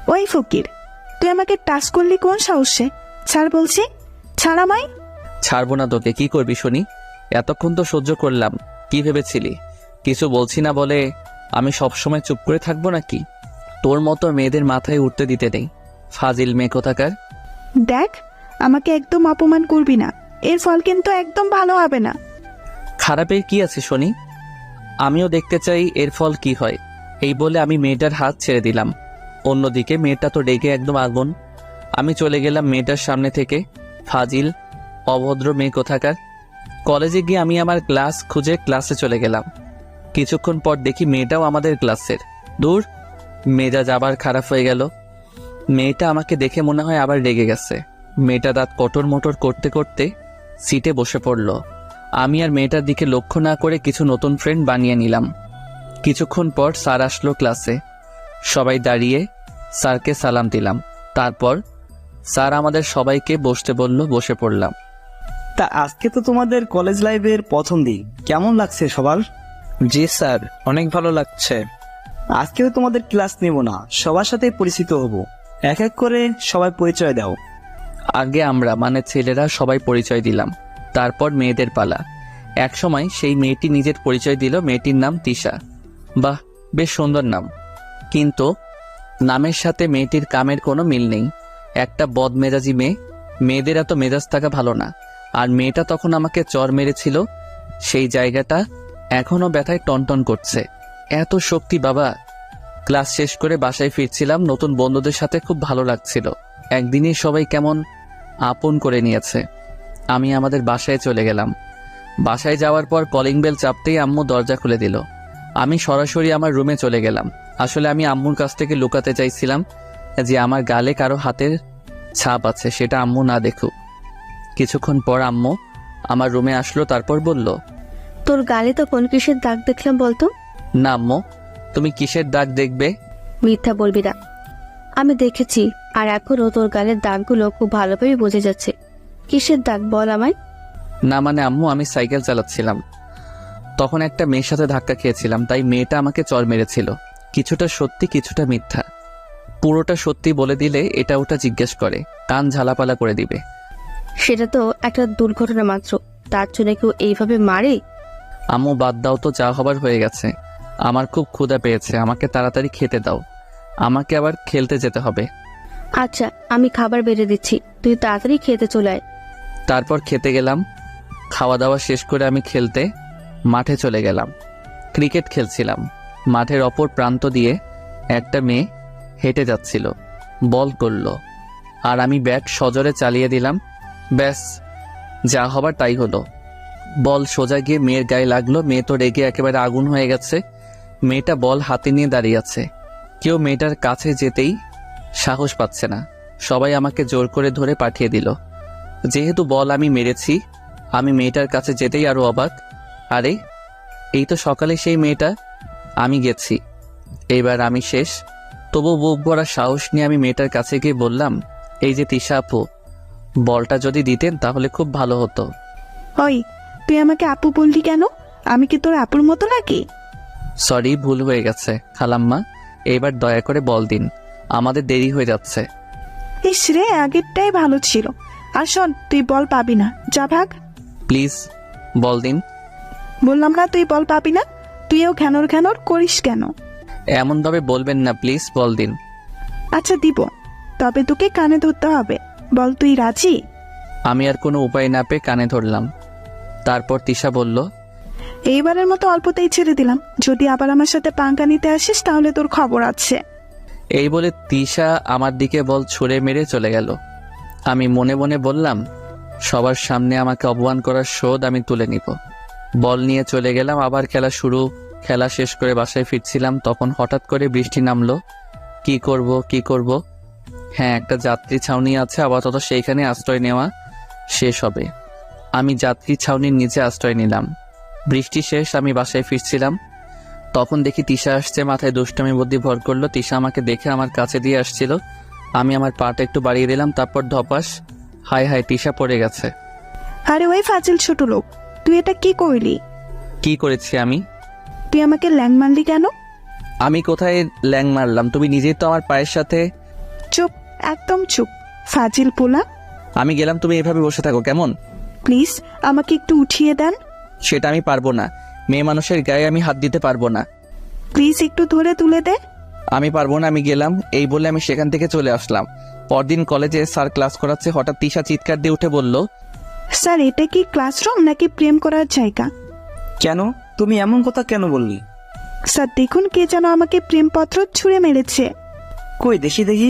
ওই ফকির, তুই আমাকে টাচ করলি কোন সাহসে? ছাড় বলছি, ছাড় আমায়। ছাড়বো না তোকে। কি করবি শুনি? এতক্ষণ তো সহ্য করলাম। কি ভেবেছিলি কিছু বলছি না বলে আমি সবসময় চুপ করে থাকবো নাকি? তোর মতো মেয়েদের মাথায় উঠতে দিতে নেই। ফাজিল মেয়ে কোথাকার। দেখ, আমাকে একদম অপমান করবি না, এর ফল কিন্তু একদম ভালো হবে না। খারাপের কি আছে শুনি? আমিও দেখতে চাই এর ফল কি হয়। এই বলে আমি মেয়েটার হাত ছেড়ে দিলাম। অন্যদিকে মেয়েটা তো রেগে একদম আগুন। আমি চলে গেলাম মেয়েটার সামনে থেকে। ফাজিল, অভদ্র মেয়ে কোথাকার। কলেজে গিয়ে আমি আমার ক্লাস খুঁজে ক্লাসে চলে গেলাম। কিছুক্ষণ পর দেখি মেয়েটাও আমাদের ক্লাসের। দূর, মেজাজ আবার খারাপ হয়ে গেল। মেয়েটা আমাকে দেখে মনে হয় আবার রেগে গেছে। মেয়েটা দাঁত কটর মোটর করতে করতে সিটে বসে পড়ল। আমি আর মেয়েটার দিকে লক্ষ্য না করে কিছু নতুন ফ্রেন্ড বানিয়ে নিলাম। কিছুক্ষণ পর স্যার আসলো ক্লাসে। সবাই দাঁড়িয়ে স্যারকে সালাম দিলাম। তারপর স্যার আমাদের সবাইকে বসতে বলল, বসে পড়লাম। তা আজকে তো তোমাদের কলেজ লাইফের প্রথম দিন, কেমন লাগছে সবার? জি স্যার, অনেক ভালো লাগছে। আজকে তো তোমাদের ক্লাস নেব না, সবার সাথে পরিচিত হব। এক এক করে সবাই পরিচয় দাও। আগে আমরা মানে ছেলেরা সবাই পরিচয় দিলাম, তারপর মেয়েদের পালা। এক সময় সেই মেয়েটি নিজের পরিচয় দিল। মেয়েটির নাম তিশা। বাহ, বেশ সুন্দর নাম, কিন্তু নামের সাথে মেয়েটির কামের কোনো মিল নেই। একটা বদমেজাজি মেয়ে। মেয়েদের এত মেজাজ থাকা ভালো না। আর মেয়েটা তখন আমাকে চর মেরেছিল, সেই জায়গাটা এখনো ব্যথায় টনটন করছে। এত শক্তি বাবা! ক্লাস শেষ করে বাসায় ফিরছিলাম। নতুন বন্ধুদের সাথে খুব ভালো লাগছিল। একদিনই সবাই কেমন আপন করে নিয়েছে। আমি আমাদের বাসায় চলে গেলাম। বাসায় যাওয়ার পর কলিং বেল চাপতেই আম্মু দরজা খুলে দিল। আমি সরাসরি আমার রুমে চলে গেলাম। আসলে আমি আম্মুর কাছ থেকে লুকাতে চাইছিলাম যে আমার গালে কারো হাতের ছাপ আছে, সেটা আম্মু না দেখুক। কিছুক্ষণ পর আম্মু আমার রুমে আসলো, তারপর বলল, তোর গালে তো কোন কিসের দাগ দেখলাম বলতো? না আম্মু, তুমি কিসের দাগ দেখবে? মিথ্যা বলবি না, আমি দেখেছি। আর এখনো তোর গালের দাগগুলো খুব ভালোভাবে বোঝা যাচ্ছে। কিসের দাগ বল আমায়। না মানে আম্মু, আমি সাইকেল চালাচ্ছিলাম, তখন একটা মেয়ের সাথে ধাক্কা খেয়েছিলাম, তাই মেয়েটা আমাকে চড় মেরেছিল। কিছুটা সত্যি কিছুটা মিথ্যা। পুরোটা সত্যি বলে দিলে এটা ওটা জিজ্ঞেস করে, কান ঝালাপালা করে দিবে। সেটা তো একটা দুর্ঘটনা মাত্র, তার জন্য কেউ এইভাবে মারে? আম্মু বাদ দাও তো, যা হবার হয়ে গেছে। আমার খুব ক্ষুধা পেয়েছে, আমাকে তাড়াতাড়ি খেতে দাও। আমাকে আবার খেলতে যেতে হবে। আচ্ছা, আমি খাবার বেড়ে দিচ্ছি, তুই তাড়াতাড়ি খেতে চলে আয়। তারপর খেতে গেলাম। খাওয়া দাওয়া শেষ করে আমি খেলতে মাঠে চলে গেলাম। ক্রিকেট খেলছিলাম। মাঠের অপর প্রান্ত দিয়ে একটা মেয়ে হেঁটে যাচ্ছিল, বল করলো, আর আমি ব্যাট সজোরে চালিয়ে দিলাম। ব্যাস, যা হবার তাই হলো। বল সোজা গিয়ে মেয়ের গায়ে লাগলো। মেয়ে তো রেগে একেবারে আগুন হয়ে গেছে। মেয়েটা বল হাতে নিয়ে দাঁড়িয়ে আছে। কেউ মেয়েটার কাছে যেতেই সাহস পাচ্ছে না। সবাই আমাকে জোর করে ধরে পাঠিয়ে দিল। যেহেতু বল আমি মেরেছি, আমি মেয়েটার কাছে যেতেই আরো অবাক। আরে, এই তো সকালে সেই মেয়েটা। আমি গেছি, এইবার আমি শেষ। তবু বুক ভরা সাহস নিয়ে আমি মেয়েটার কাছে গিয়ে বললাম, এই যে তিশা আপু, বলটা যদি দিতেন তাহলে খুব ভালো হতো। ওই, তুই আমাকে আপু বললি কেন? আমি কি তোর আপুর মতো নাকি? সরি, ভুল হয়ে গেছে খালাম্মা। এইবার দয়া করে বল দিন, আমাদের দেরি হয়ে যাচ্ছে। ইস রে, আগেরটাই ভালো ছিল। আর শোন, তুই বল পাবি না, যা ভাগ। প্লিজ বল দিন। বললাম না তুই বল পাবি না। তুইও ঘ্যানর ঘ্যানর করিস কেন? এমনভাবে বলবেন না, প্লিজ বল দিন। আচ্ছা দিব, তবে তোকে কানে ধরতে হবে। বল, তুই রাজি? আমি আর কোনো উপায় না পেয়ে কানে ধরলাম। তারপর তিশা বলল, এইবারের মতো অল্পতেই ছেড়ে দিলাম, যদি আবার আমার সাথে পাঙ্কা নিতে আসিস তাহলে তোর খবর আছে। এই বলে তিশা আমার দিকে বল ছুঁড়ে মেরে চলে গেল। আমি মনে মনে বললাম, সবার সামনে আমাকে অপমান করার শোধ আমি তুলে নিব। বল নিয়ে চলে গেলাম, আবার খেলা শুরু। খেলা শেষ করে বাসায় ফিরছিলাম, তখন হঠাৎ করে বৃষ্টি নামলো। কি করব? হ্যাঁ, একটা যাত্রী ছাউনি আছে, আপাতত সেইখানে আশ্রয় নেওয়া শেষ হবে। আমি যাত্রী ছাউনির নিচে আশ্রয় নিলাম। বৃষ্টি শেষ, আমি বাসায় ফিরছিলাম, তখন দেখি তিশা আসছে। মাথায় দুষ্টামি বুদ্ধি ভর করলো। তিশা আমাকে দেখে আমার কাছে দিয়ে আসছিল। আমি আমার পাটা একটু বাড়িয়ে দিলাম, তারপর ধপাস, হায় হায়, তিশা পড়ে গেছে। আরে ওই ফাজিল ছোট লোক, তুই এটা কি করলি? কি করেছি আমি? তুই আমাকে ল্যাং মারলি কেন? আমি কোথায় ল্যাং মারলাম? তুমি নিজেই তো আমার পায়ের সাথে চুপ, একদম চুপ, ফাজিল পোলা। আমি গেলাম, তুমি এভাবে বসে থাকো কেমন? প্লিজ আমাকে একটু উঠিয়ে দেন। সেটা আমি পারবো না, মেয়ে মানুষের গায়ে আমি হাত দিতে পারবো না। প্লিজ একটু ধরে তুলে দে। আমি পারবো না, আমি গেলাম। এই বলে আমি সেখান থেকে চলে আসলাম। পরদিন কলেজে স্যার ক্লাস করাচ্ছে, হঠাৎ তিশা চিৎকার দিয়ে উঠে বলল, স্যার এটা কি ক্লাসরুম নাকি প্রেম করার জায়গা? কেন, তুমি এমন কথা কেন বললি? স্যার দেখুন, কে যেন আমাকে প্রেমপত্র ছুঁড়ে মেরেছে। কই দেখি দেখি।